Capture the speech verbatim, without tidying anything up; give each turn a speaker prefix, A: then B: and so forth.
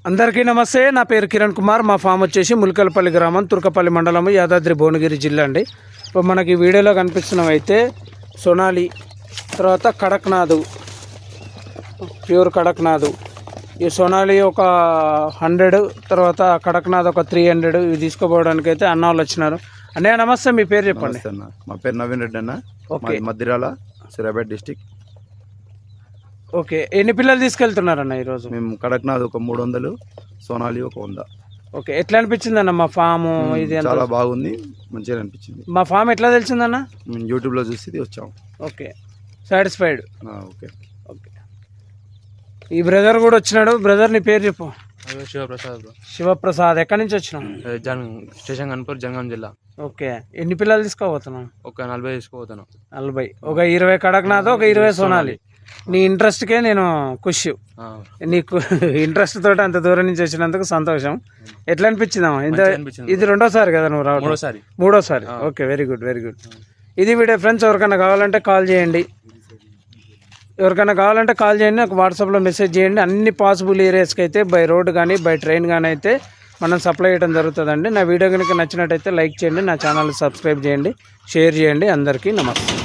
A: అందరికీ నమస్తే. నా పేరు కిరణ్ కుమార్. మా ఫామ్ వచ్చేసి ములకలపల్లి గ్రామం, తుర్కపల్లి మండలం, యాదాద్రి భువనగిరి జిల్లా అండి. ఇప్పుడు మనకి వీడియోలో కనిపిస్తున్నవైతే సోనాలి, తర్వాత కడక్నాథ్, ప్యూర్ కడక్నాథ్. ఈ సోనాలి ఒక హండ్రెడ్, తర్వాత కడక్నాథ్ ఒక త్రీ హండ్రెడ్. ఇవి తీసుకోపోవడానికి అయితే అన్న వాళ్ళు వచ్చినారు. అన్నయ్య నమస్తే, మీ పేరు చెప్పండి.
B: అన్న, మా పేరు నవీన్ రెడ్డి అన్న.
A: Okay,
B: Maddirala, Suryapet district.
A: Okay, ఎన్ని పిల్లలు తీసుకెళ్తున్నారన్న ఈరోజు?
B: మేము కడక్నాథ్ ఒక మూడు వందలు, సోనాలి ఒక వంద.
A: ఓకే, ఎట్లా అనిపించింది అన్న మా ఫాము? ఇది
B: చాలా బాగుంది, మంచిగా అనిపించింది.
A: మా ఫామ్ ఎట్లా తెలిసిందన్న?
B: మేము యూట్యూబ్లో చూసి వచ్చాము.
A: Okay, satisfied.
B: ఓకే
A: ఓకే, ఈ బ్రదర్ కూడా వచ్చినాడు. బ్రదర్ నీ పేరు చెప్పు.
C: శివప్రసాద్.
A: శివప్రసాద్, ఎక్కడి నుంచి వచ్చినావు?
C: జన్ స్టేషన్ కన్పూర్, జనగాం జిల్లా.
A: ఓకే, ఎన్ని పిల్లలు తీసుకోబోతున్నావు?
C: ఒక నలభై తీసుకోపోతాను.
A: నలభై, ఒక ఇరవై కడక్నాథ్, ఒక ఇరవై సోనాలి. నీ ఇంట్రెస్ట్కే నేను ఖుషి. నీకు ఇంట్రెస్ట్ తోటి అంత దూరం నుంచి వచ్చినందుకు సంతోషం. ఎట్లా అనిపించిందమ్మా? ఇంత ఇది రెండోసారి కదా నువ్వు రావడం?
C: మూడోసారి.
A: మూడోసారి okay, very good very good. ఇది వీడియో ఫ్రెండ్స్, ఎవరికైనా కావాలంటే కాల్ చేయండి. ఎవరికైనా కావాలంటే కాల్ చేయండి, నాకు వాట్సాప్లో మెసేజ్ చేయండి. అన్ని పాసిబుల్ ఏరియాస్కి అయితే బై రోడ్ కానీ బై ట్రైన్ కానీ అయితే మనం సప్లై చేయడం జరుగుతుందండి. నా వీడియో కనుక నచ్చినట్టయితే లైక్ చేయండి, నా ఛానల్ సబ్స్క్రైబ్ చేయండి, షేర్ చేయండి. అందరికీ నమస్తే.